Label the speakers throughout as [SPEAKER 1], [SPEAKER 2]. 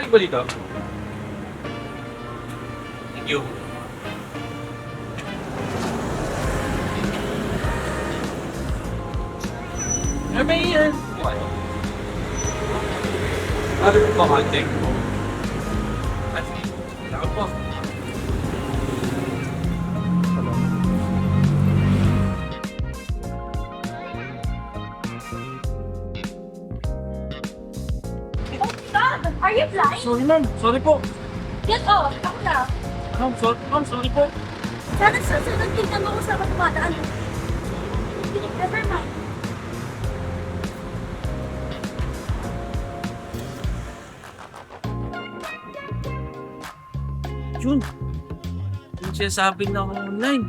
[SPEAKER 1] ba dito? Thank you. May ano? Ano po contact mo? At ako po.
[SPEAKER 2] Oh my God! Are you blind?
[SPEAKER 1] Sorry ma'am, sorry po.
[SPEAKER 2] Get off! Ako na.
[SPEAKER 1] Ma'am, sorry po.
[SPEAKER 2] Sana sa sunod tingnan mo kung saan ka tumadaan. Never mind.
[SPEAKER 1] Jun, yung sinasabi na ako online.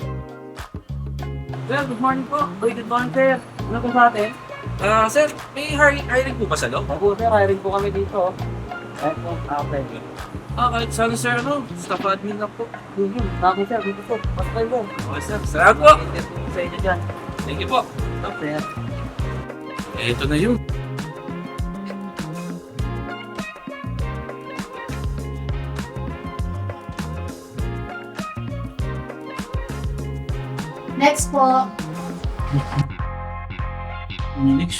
[SPEAKER 1] Sir, good morning po. Good morning, sir.
[SPEAKER 3] Ano po sa atin?
[SPEAKER 1] Sir, may hiring po ba sa loob?
[SPEAKER 3] Ako sir, hiring po kami dito. Ayun po, okay.
[SPEAKER 1] Kahit sana sir, staff admin lang po.
[SPEAKER 3] Yun, ako sir, dito po. Pasok mo.
[SPEAKER 1] Okay sir, salamat po.
[SPEAKER 3] Interview sa inyo dyan.
[SPEAKER 1] Thank you po.
[SPEAKER 3] Sir.
[SPEAKER 1] Ito na yun.
[SPEAKER 2] Next po.
[SPEAKER 1] Next.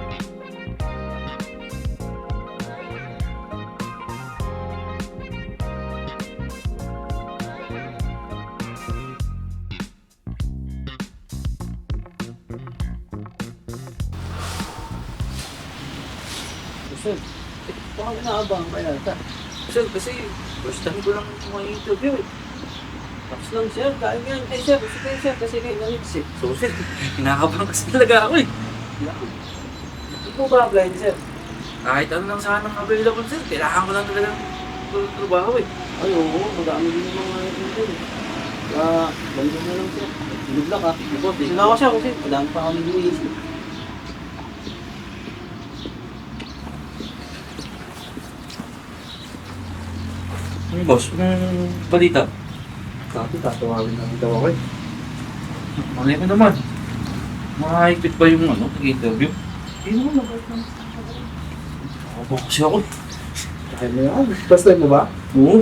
[SPEAKER 3] Sir, baka inaabang ba yan?
[SPEAKER 1] Sir, kasi first time ko lang interview eh.
[SPEAKER 3] Tapos lang sir, kaya yan. Eh sir, gusto kayo sir, kasi kayo nanits eh.
[SPEAKER 1] So sir, kinakabahan kasi talaga ako eh.
[SPEAKER 3] Hindi po ba apply sir?
[SPEAKER 1] Kahit ano lang sana ang available sir, kailangan ko lang talaga ng trabaho eh.
[SPEAKER 3] Ay oo, madami din yung mga ito eh. Kaya, ganito na lang sir. Good luck ha. Sila ako siya kasi madami pa kami iniisip.
[SPEAKER 1] Boss, balita?
[SPEAKER 3] Sabi, tatawagin namin daw ako eh.
[SPEAKER 1] Malay ko naman. Mahigpit ba yung nag-interview?
[SPEAKER 3] Hindi mo nabait lang.
[SPEAKER 1] Ako kasi ako.
[SPEAKER 3] Kaya mo yan. First time mo ba?
[SPEAKER 1] Oo.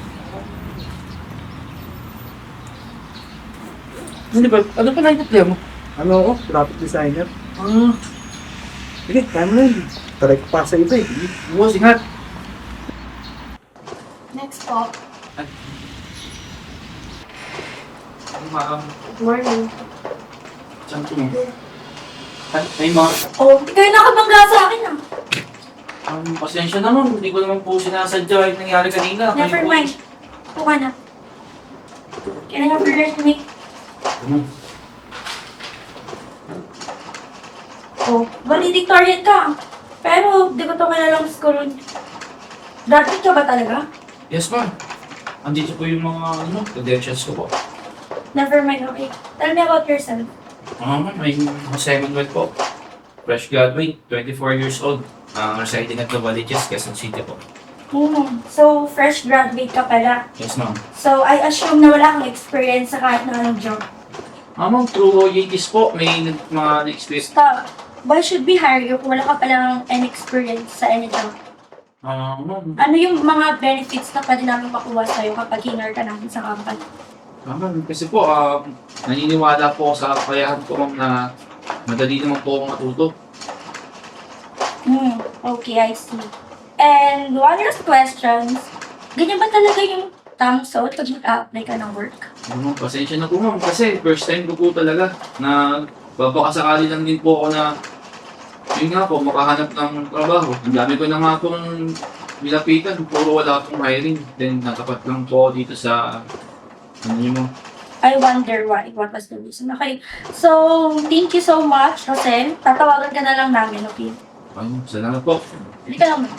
[SPEAKER 1] Hindi ba? Ano pa na mo?
[SPEAKER 3] Ano ako? Graphic designer.
[SPEAKER 1] Ah,
[SPEAKER 3] Sige, kaya mo na yun. Try ko pa sa iba eh.
[SPEAKER 1] buwas ingat.
[SPEAKER 2] Next po.
[SPEAKER 1] Ma'am,
[SPEAKER 2] Good morning.
[SPEAKER 1] saan ko mo? Ay, ma'am.
[SPEAKER 2] Oh, hindi kayo nakabangga sa akin ah.
[SPEAKER 1] Pasensya naman. Hindi ko naman po sinasadya yung nangyari kanina.
[SPEAKER 2] Never mind. Ito ka na. Can I have your resume? Oh, valedictorian ka. Pero, di ko ito kilalang school. Graduate ka ba talaga?
[SPEAKER 1] Yes, ma'am. Andito po yung mga credentials ko po.
[SPEAKER 2] Never mind, okay. Tell me about yourself.
[SPEAKER 1] Ma'am, may Jose Manuel po. Fresh graduate, 24 years old. Residing at Novaliches, Quezon City po.
[SPEAKER 2] So, fresh graduate ka pala.
[SPEAKER 1] Yes, ma'am.
[SPEAKER 2] So, I assume na wala kang experience sa kahit na anong job.
[SPEAKER 1] Ma'am, through OJTs po, may mga experience.
[SPEAKER 2] Stop. Why should we hire you kung wala ka palang any experience sa any job?
[SPEAKER 1] Ma'am,
[SPEAKER 2] Ano yung mga benefits na pwede namin makuha sa'yo kapag hinar ka namin sa company?
[SPEAKER 1] kasi po, naniniwala po ako sa kakayahan ko, ma'am, na madali naman po akong matuto.
[SPEAKER 2] Okay, I see. And one last questions. Ganyan ba talaga yung tamang suot pag mag-a-apply ka ng work?
[SPEAKER 1] Ma'am, pasensya na po, ma'am, kasi first time ko po talaga na babakasakali lang din po ako na yun nga po, makahanap ng trabaho. Ang dami ko na nga pong nilapitan, puro wala pong hiring. Then natapat lang po ako dito sa mo.
[SPEAKER 2] I wonder why. What was the reason? Okay. So, thank you so much, Jose. Tatawagan ka na lang namin, okay?
[SPEAKER 1] Ayun, salamat po.
[SPEAKER 2] Hindi ka lang.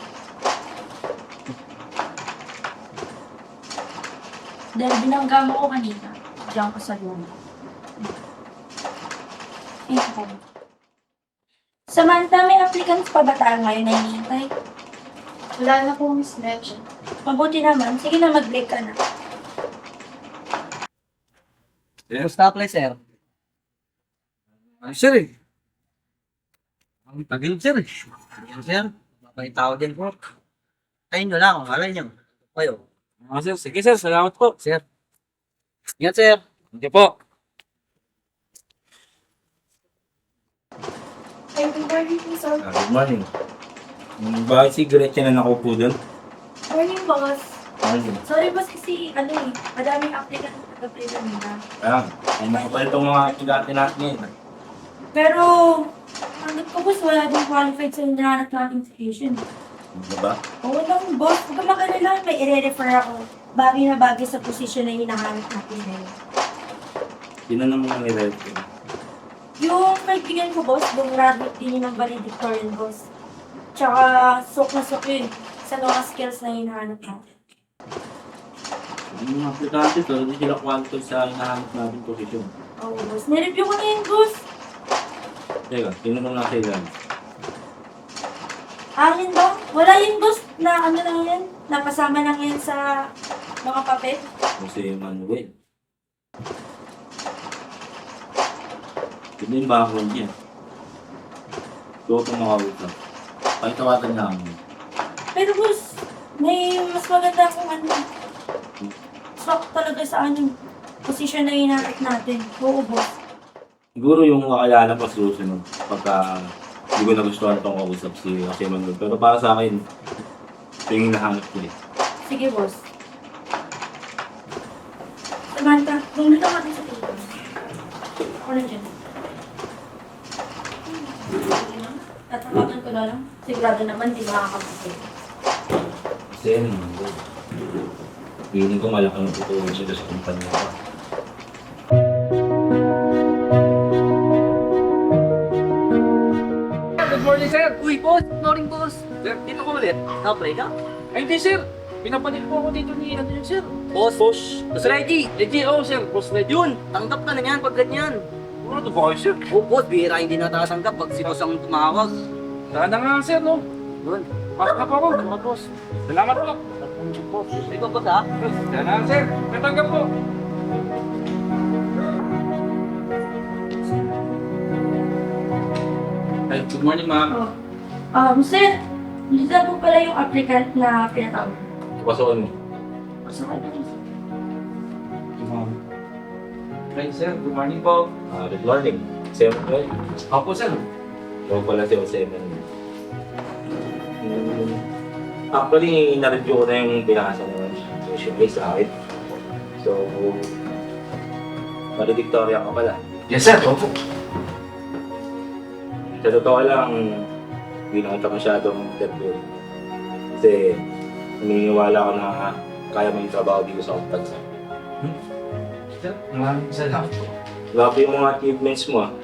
[SPEAKER 2] Dahil binangga mo ko kanina. Diyan ko sa luma. Okay. Samantha, may applicants pa ba tayo ngayon na hinihintay?
[SPEAKER 4] Wala na po, Miss Gretchen.
[SPEAKER 2] Mabuti naman. Sige na, mag-break ka na.
[SPEAKER 3] Gusto apply sir?
[SPEAKER 1] Ay, sir eh. Ang tagal, sir eh.
[SPEAKER 3] Yan sir, mabait tao din po. Tayo nyo lang, malay nyo. Kayo.
[SPEAKER 5] Sir, sige sir, salamat po.
[SPEAKER 3] Sir. Ingat, sir.
[SPEAKER 5] Hindi po.
[SPEAKER 4] Ay, good morning po, sir.
[SPEAKER 6] Good morning. Bakit si Gretchen na nakaupo doon?
[SPEAKER 4] Morning, boss.
[SPEAKER 6] Morning.
[SPEAKER 2] Sorry boss kasi madaming applicant na nag-apply kanina.
[SPEAKER 6] Ay makapal itong mga estudyante natin ngayon.
[SPEAKER 2] Pero, hanggat ko boss, wala din qualified sa hinahanap nating station.
[SPEAKER 6] Ano ba?
[SPEAKER 2] Oo lang boss, huwag ka magalala, may i-refer ako. Bagay na bagay sa posisyon na hinahanap natin ngayon.
[SPEAKER 6] Sino naman nire-refer?
[SPEAKER 2] Yung kaibigan ko boss, graduate din yun ng valedictorian boss. Tsaka, sok na sok yun sa mga skills na hinahanap natin.
[SPEAKER 6] Yung mga aplikante to, hindi sila qualified sa hinahanap natin posisyon.
[SPEAKER 2] Oo boss, nireview ko na yun boss.
[SPEAKER 6] Teka, sino naman nasa ilan?
[SPEAKER 2] Akin ba? Wala yun boss, na ano lang yan, napasama lang yan sa mga papel.
[SPEAKER 6] Kung si Manuel. Hindi yung background niya. Ito itong makausap. Pakitawagan niya ako.
[SPEAKER 2] Pero boss, may mas maganda kung ano. Swak talaga sa ano, posisyon na hinahanap natin. Oo boss.
[SPEAKER 6] Siguro yung kakilala pa susunod pagka hindi ko nagustuhan itong kausap si Manuel. Pero para sa akin, ito yung hinahanap ko eh.
[SPEAKER 2] Sige boss. Samantha, bumili ka natin sa table. Ako na dyan. Tatawagan ko na lang. Sigurado naman, di makakapagpapit.
[SPEAKER 6] Kasi yun, feeling ko malaking tutulong siya sa kumpanya ko.
[SPEAKER 5] Good morning sir.
[SPEAKER 3] Uy, boss. Good morning, boss.
[SPEAKER 5] Sir, dito ko ulit.
[SPEAKER 3] Na-apply ka?
[SPEAKER 5] Ay hindi sir. Pinapalit po ako dito ni ano yun sir.
[SPEAKER 3] Boss. Boss Reggie.
[SPEAKER 5] Reggie, oh sir. Boss Reggie.
[SPEAKER 3] Yun, tanggap ka na yan pag ganyan.
[SPEAKER 5] Ano to ba kayo sir?
[SPEAKER 3] Oh, boss, bihira hindi natatanggap pag si boss ang tumawag.
[SPEAKER 5] Sana nga sir no.
[SPEAKER 3] Yun.
[SPEAKER 5] Pasok na po ako. Salamat boss. Salamat po.
[SPEAKER 3] Ikaw, boss, ha?
[SPEAKER 5] Sana nga sir. Natanggap po.
[SPEAKER 1] Ay, good morning ma'am.
[SPEAKER 2] Sir, hindi na po pala yung applicant na pinatawag.
[SPEAKER 6] Pasokan mo.
[SPEAKER 2] So, ano yun?
[SPEAKER 1] Hi sir, good morning po.
[SPEAKER 6] Good morning. Si Manuel.
[SPEAKER 1] Opo sir.
[SPEAKER 6] Ikaw pala si Jose Manuel. Actually, na-review ko na yung binasa naman resume sa akin. So, valedictorian ka pala.
[SPEAKER 1] Yes sir, opo.
[SPEAKER 6] Sa totoo lang, hindi na kita masyadong interview. Kasi, naniniwala ko na kaya mo yung trabaho dito sa kumpanya.
[SPEAKER 1] Sir, maraming salamat po.
[SPEAKER 6] Grabe yung mga achievements mo ah.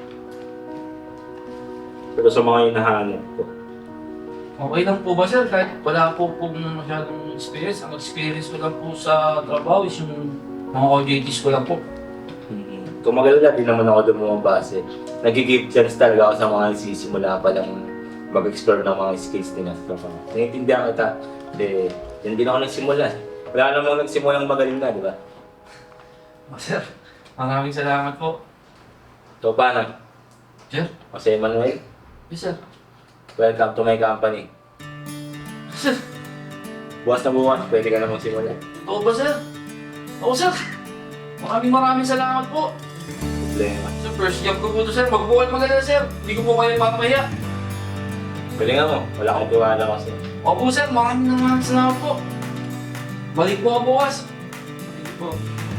[SPEAKER 6] Pero sa mga hinahanap ko.
[SPEAKER 1] Okay lang po ba sir? Kahit wala po pong masyadong experience. Ang experience ko lang po sa trabaho is yung mga OJTs ko lang po.
[SPEAKER 6] Kung magalala, di naman ako doon bumabase. Nag-give chance talaga ako sa mga nagsisimula pa lang mag-explore ng mga skills nila sa trabaho. Naiintindihan kita. Kasi yan din ako nagsimula. Wala namang nagsimulang magaling na, di ba?
[SPEAKER 1] Oh, sir, maraming salamat po.
[SPEAKER 6] So paano?
[SPEAKER 1] Sir?
[SPEAKER 6] Jose Manuel,
[SPEAKER 1] Yes sir.
[SPEAKER 6] welcome to my company.
[SPEAKER 1] Sir,
[SPEAKER 6] Bukas na bukas, pwede ka na magsimula.
[SPEAKER 1] oo ba sir? Oo sir. Maraming salamat po.
[SPEAKER 6] Problema.
[SPEAKER 1] Sir, first job ko po ito sir. Magbuwan maganda sir. Hindi ko po kayo papahiya.
[SPEAKER 6] Pwede nga mo, wala akong tiwala kasi.
[SPEAKER 1] Opo sir, maraming salamat po. Balik po ako bukas. Balik po.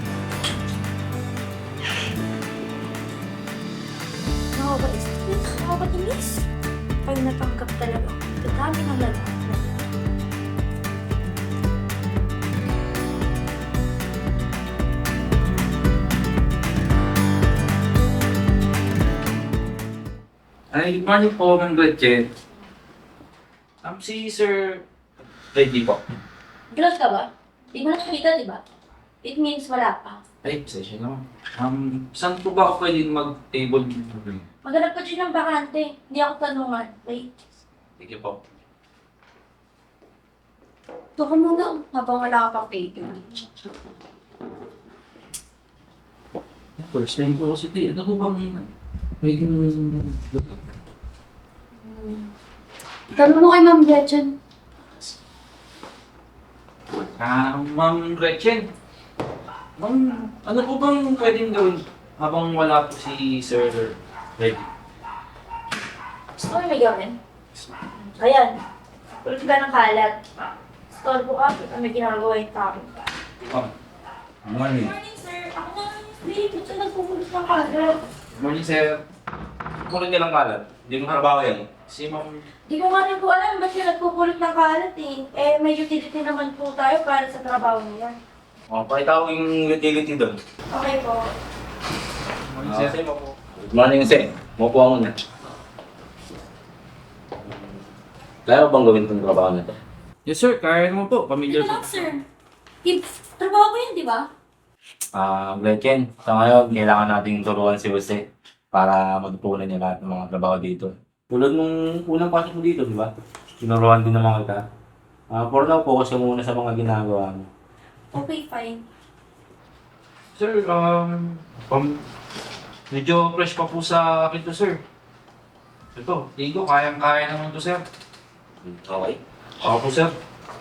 [SPEAKER 2] Nakakainis. Pag natanggap talaga, dadami ng lalaki.
[SPEAKER 1] Ay, good morning po, Ma'am Gretchen. Si Sir Reggie po.
[SPEAKER 2] Close ka ba? Di mo nakikita, di ba? It means wala pa.
[SPEAKER 1] Ay, pasensya naman. Saan po ba ako pwede mag-table?
[SPEAKER 2] Maghanap ka dyan ng bakante. Hindi ako tanungan. Wait.
[SPEAKER 1] Sige po.
[SPEAKER 2] Ito ka muna habang wala ka pang paper.
[SPEAKER 1] First time po kasi di. Ano po bang pwedeng...
[SPEAKER 4] Tanong mo kay Ma'am Gretchen.
[SPEAKER 1] Ma'am Gretchen. Ma'am, ano po bang pwedeng gawin habang wala po si Sir Reggie?
[SPEAKER 2] Gusto mo may gawin? Ayan. Tulad ka ng kalat. Store po ka, may ginagawa yung tao.
[SPEAKER 6] Morning.
[SPEAKER 2] Morning, sir. Ako na, babe. Ito nagpupulot ng kalat.
[SPEAKER 1] Morning, sir.
[SPEAKER 6] Kunin nilang kalat. Hindi mo trabaho yan.
[SPEAKER 1] Si Ma'am...
[SPEAKER 2] Di ko nga rin po alam ba't siya nagpupulot ng kalat eh. Eh, may utility naman po tayo para sa trabaho niya.
[SPEAKER 6] O, pakita ko yung utility doon.
[SPEAKER 2] Okay po.
[SPEAKER 1] Morning, sir.
[SPEAKER 6] Good morning, Jose. Maupo ako muna. Kaya mo bang gawin itong trabaho na ito?
[SPEAKER 1] Yes, sir. Kaya naman po. Pamilya
[SPEAKER 2] Ito
[SPEAKER 1] po.
[SPEAKER 2] lang, sir. Trabaho ko yun, di ba?
[SPEAKER 6] Gretchen, sa ngayon, kailangan nating turuan si Jose para matutunan niya lahat ng mga trabaho dito. Tulad nung unang pasok mo dito, di ba? Tinuruan din naman kita. For now, focus ka muna sa mga ginagawa mo.
[SPEAKER 2] Okay, fine.
[SPEAKER 1] Sir, medyo fresh pa po sa akin to, sir. Ito, tingin ko, kayang-kaya naman to, sir.
[SPEAKER 6] Okay.
[SPEAKER 1] Ako po, sir.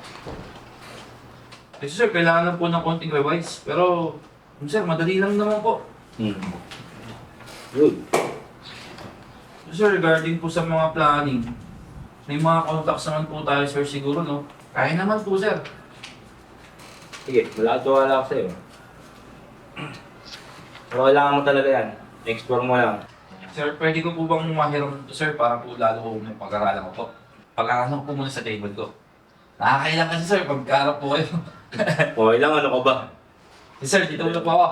[SPEAKER 1] Kasi sir, kailangan lang po ng konting revise. Pero, sir, madali lang naman po.
[SPEAKER 6] Good.
[SPEAKER 1] Sir, regarding po sa mga planning, may mga contacts naman po tayo, sir, siguro, no? Kaya naman po, sir.
[SPEAKER 6] Sige, wala ako sa'yo. Pero kailangan mo talaga yan. Explore mo lang.
[SPEAKER 1] Sir, pwede ko po bang mahiram to, sir, para po lalo ko may pag-aralan ko po? Pag-aralan ko po muna sa table ko. Nakakailang kasi, sir, pagkarap po kayo.
[SPEAKER 6] Okay lang, ano ka ba?
[SPEAKER 1] Sir, dito muna po ako.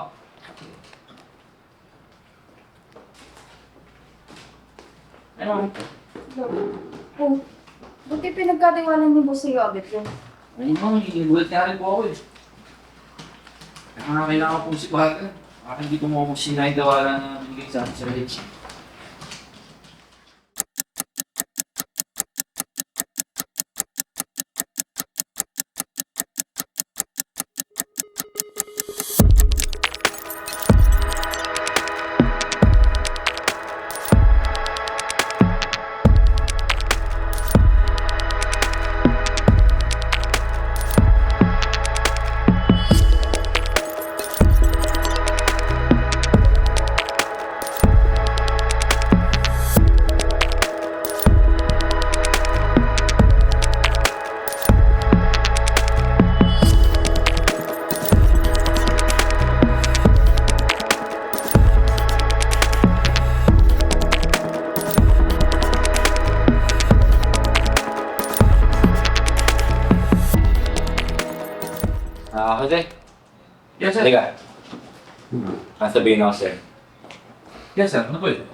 [SPEAKER 1] Ano?
[SPEAKER 4] Oh, buti pinagkatiwanan ni Boss sa'yo agad yun.
[SPEAKER 1] Ayun mo, gulat nga rin po ako eh. Kaya kailangan po si Baga. Baka hindi ko mo sinaydawalan na bigay sa akin sa Rich.
[SPEAKER 6] Jose,
[SPEAKER 1] Yes, sir.
[SPEAKER 6] halika. Sabihin ako, sir.
[SPEAKER 1] Yes, sir. Ano po yun?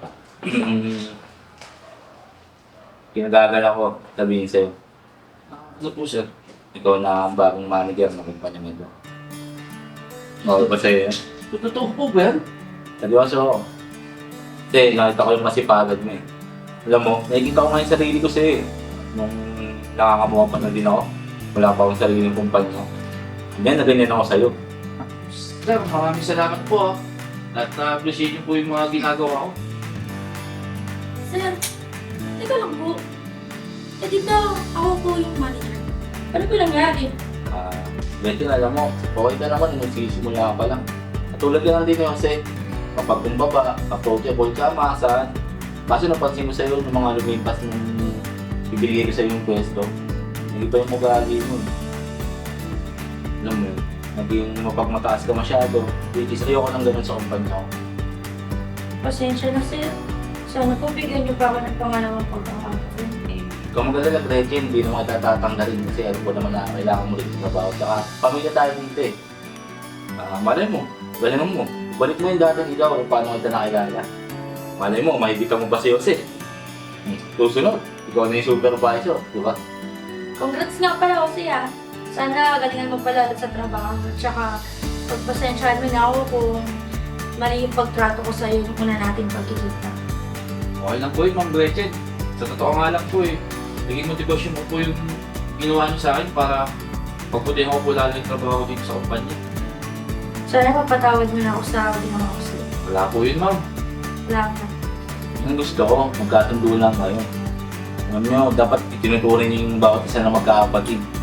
[SPEAKER 6] Kinagagal ako, sabihin sa'yo.
[SPEAKER 1] Ano po, sir?
[SPEAKER 6] Ikaw na ang bagong manager ng kumpanya nito. Oo ba sa'yo yan?
[SPEAKER 1] Totoo po ba yan?
[SPEAKER 6] Seryoso ako. Kasi nakita ko yung masipagad mo eh. Alam mo, nakikita ko nga yung sarili ko sa'yo eh. Nung nakangamuha pa na din ako, wala pa akong sariling kumpanya. Yan, na ganyan ako sa'yo.
[SPEAKER 1] Sir, maraming salamat po. At na-appreciate niyo po yung mga ginagawa ko.
[SPEAKER 2] Sir, teka lang po. Eh, di ba ako po yung manager? Ano po nangyari?
[SPEAKER 6] Betty, alam mo, okay ka naman, nagsisimula ka pa lang. At tulad ka lang din yung kasi, kapag kumbaba, approachable ka, maasahan. Kaso napansin ko sa'yo ng mga lumipas nung bibigay ko sa'yo yung pwesto. Hindi pa yung ugali mo. Alam mo yun, naging mapagmataas ka masyado. Which is ayoko nang ganun sa kumpanya ko.
[SPEAKER 2] Pasensya na, sir. Sana po bigyan niyo pa ako ng pangalawang pagkakataon.
[SPEAKER 6] Ikaw magaling at Gretchen, hindi naman kita tatanggalin kasi alam ko naman na kailangan mo rin yung trabaho. Tsaka pamilya tayo dito eh. Malay mo, galingan mo. Balik mo yung dati ikaw kung paano kita nakilala. Malay mo, mahibitan mo ba si Jose? Susunod, ikaw na yung supervisor, di ba?
[SPEAKER 2] Congrats nga pala ako siya. Sana galingan mo pala sa trabaho. Tsaka pagpasensyahan mo na ako kung mali yung pagtrato ko sa'yo nung una natin pagkikita.
[SPEAKER 1] Okay lang po yun, Ma'am Gretchen. Sa totoo nga lang po eh. Naging motivasyon mo po yung ginawa niyo sa akin para pagputihan ko po lalo yung trabaho dito sa kumpanya.
[SPEAKER 2] Sana papatawad mo na ako sa ginawa ko sa'yo.
[SPEAKER 1] Wala po yun, ma'am.
[SPEAKER 2] Wala ka.
[SPEAKER 6] Ang gusto ko, magkatundo lang kayo. Alam nyo, dapat itinuturin niyo yung bawat isa na magkakapatid.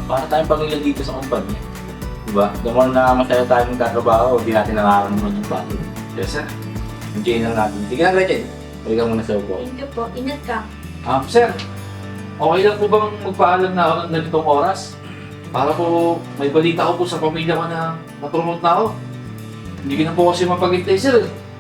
[SPEAKER 6] para tayong pamilya dito sa kumpanya. Diba? The more na masaya tayo magkatrabaho, hindi natin nakakaroon ng pagod.
[SPEAKER 1] Yes, sir.
[SPEAKER 6] Enjoy lang natin. Sige na, Gretchen. Balik ka muna sa upo.
[SPEAKER 2] Thank you po. Ingat ka.
[SPEAKER 1] Sir, okay lang po bang magpaalam na ako ng ganitong oras? Para po may balita ko po sa pamilya ko na na-promote na ako. Hindi ko na po kasi mapag-intay, sir.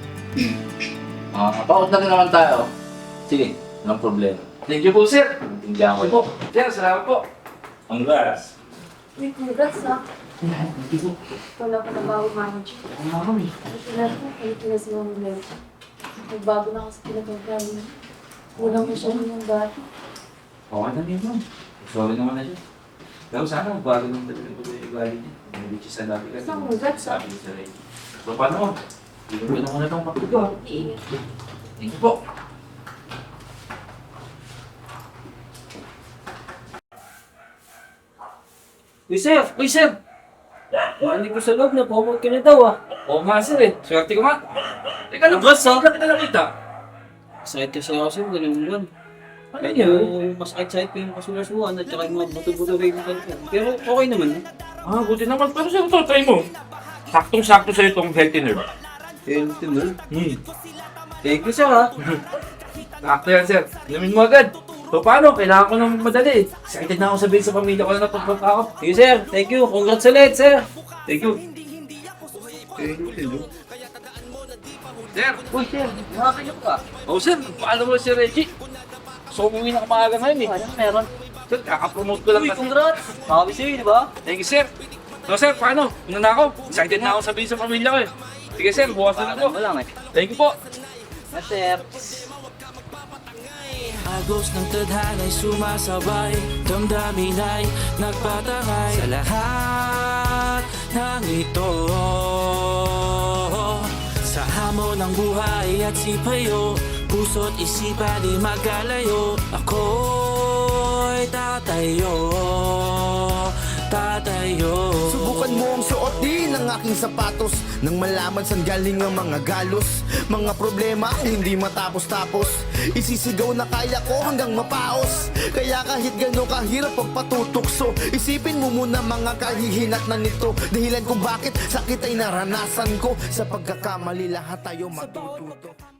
[SPEAKER 6] Paut na rin naman tayo. Sige, walang problema.
[SPEAKER 1] Thank you po, sir.
[SPEAKER 6] Tindihan
[SPEAKER 1] Thank
[SPEAKER 6] ko.
[SPEAKER 1] you po. Sir, salamat po.
[SPEAKER 6] Congrats!
[SPEAKER 4] Uy, congrats ha.
[SPEAKER 1] Thank you po.
[SPEAKER 4] Wala pa na bago manager.
[SPEAKER 1] Ano kami?
[SPEAKER 4] Ay, si Mama Mel. Nagbago na kasi pinagkakaroon niya. Kulang mo siya ng dati.
[SPEAKER 1] Okay na yun, ma'am. Sorry naman na siya. Pero sana magbago ng talagang po yung ugali niya. Hindi siya sa dati kasi.
[SPEAKER 4] Basta congrats, ah.
[SPEAKER 1] Sabi niya sa Ray. So, paano mo? Hindi ko na muna itong pakigo.
[SPEAKER 2] Iingat.
[SPEAKER 1] Thank you po.
[SPEAKER 3] Uy, sir!
[SPEAKER 1] Uy, sir!
[SPEAKER 3] Hindi ko sa loob na promote ka na daw ah.
[SPEAKER 1] Oo nga, sir eh. Swerte ko nga. Teka lang,
[SPEAKER 3] Congrats, ah.
[SPEAKER 1] Bakit kita nakita?
[SPEAKER 3] Sakit kasi ako sir, ganun lang.
[SPEAKER 1] Ano
[SPEAKER 3] Kaya
[SPEAKER 1] yun?
[SPEAKER 3] mas excited ko yung kasulasuan at saka yung mga buto-buto rin ng kanila. Pero okay naman.
[SPEAKER 1] Buti naman. Pero sir, ito, try mo. Saktong-sakto sa'yo itong healthy nerve.
[SPEAKER 3] Healthy mo.
[SPEAKER 1] Hmm.
[SPEAKER 3] Thank you sir ah.
[SPEAKER 1] Sakto yan, sir. Inumin mo agad. So, paano? Kailangan ko nang madali. Excited na ako sabihin sa pamilya ko na napagpunta ako.
[SPEAKER 3] Sige sir, thank you. Congrats ulit sir.
[SPEAKER 1] Thank you. Sir!
[SPEAKER 3] Uy sir, nakakayok ka.
[SPEAKER 1] Oh, sir. Paano mo si Reggie? So, umuwi na kamaga ngayon eh.
[SPEAKER 3] Anong meron?
[SPEAKER 1] Sir, kakapromote ko lang
[SPEAKER 3] Uy,
[SPEAKER 1] kasi.
[SPEAKER 3] congrats. Makabi sa'yo, di ba?
[SPEAKER 1] Thank you, sir. So, sir, paano? Una na ako. Excited na ako sabihin sa pamilya ko eh. Sige, sir. Bukas na ako.
[SPEAKER 3] Wala nga eh.
[SPEAKER 1] Thank you po.
[SPEAKER 3] Yes sir.
[SPEAKER 7] Agos ng tadhana'y sumasabay, damdamin ay nagpatangay sa lahat ng ito. Sa hamon ng buhay at sipayo, puso't isipan di magkalayo. Ako'y tatayo.
[SPEAKER 8] Subukan mo ang suot din ng aking sapatos nang malaman saan galing ang mga galos. Mga problema ang hindi matapos-tapos, isisigaw na kaya ko hanggang mapaos. Kaya kahit gano'n kahirap pagpatutukso, isipin mo muna mga kahihinat na nito. Dahilan kung bakit sakit ay naranasan ko. Sa pagkakamali lahat tayo matututo.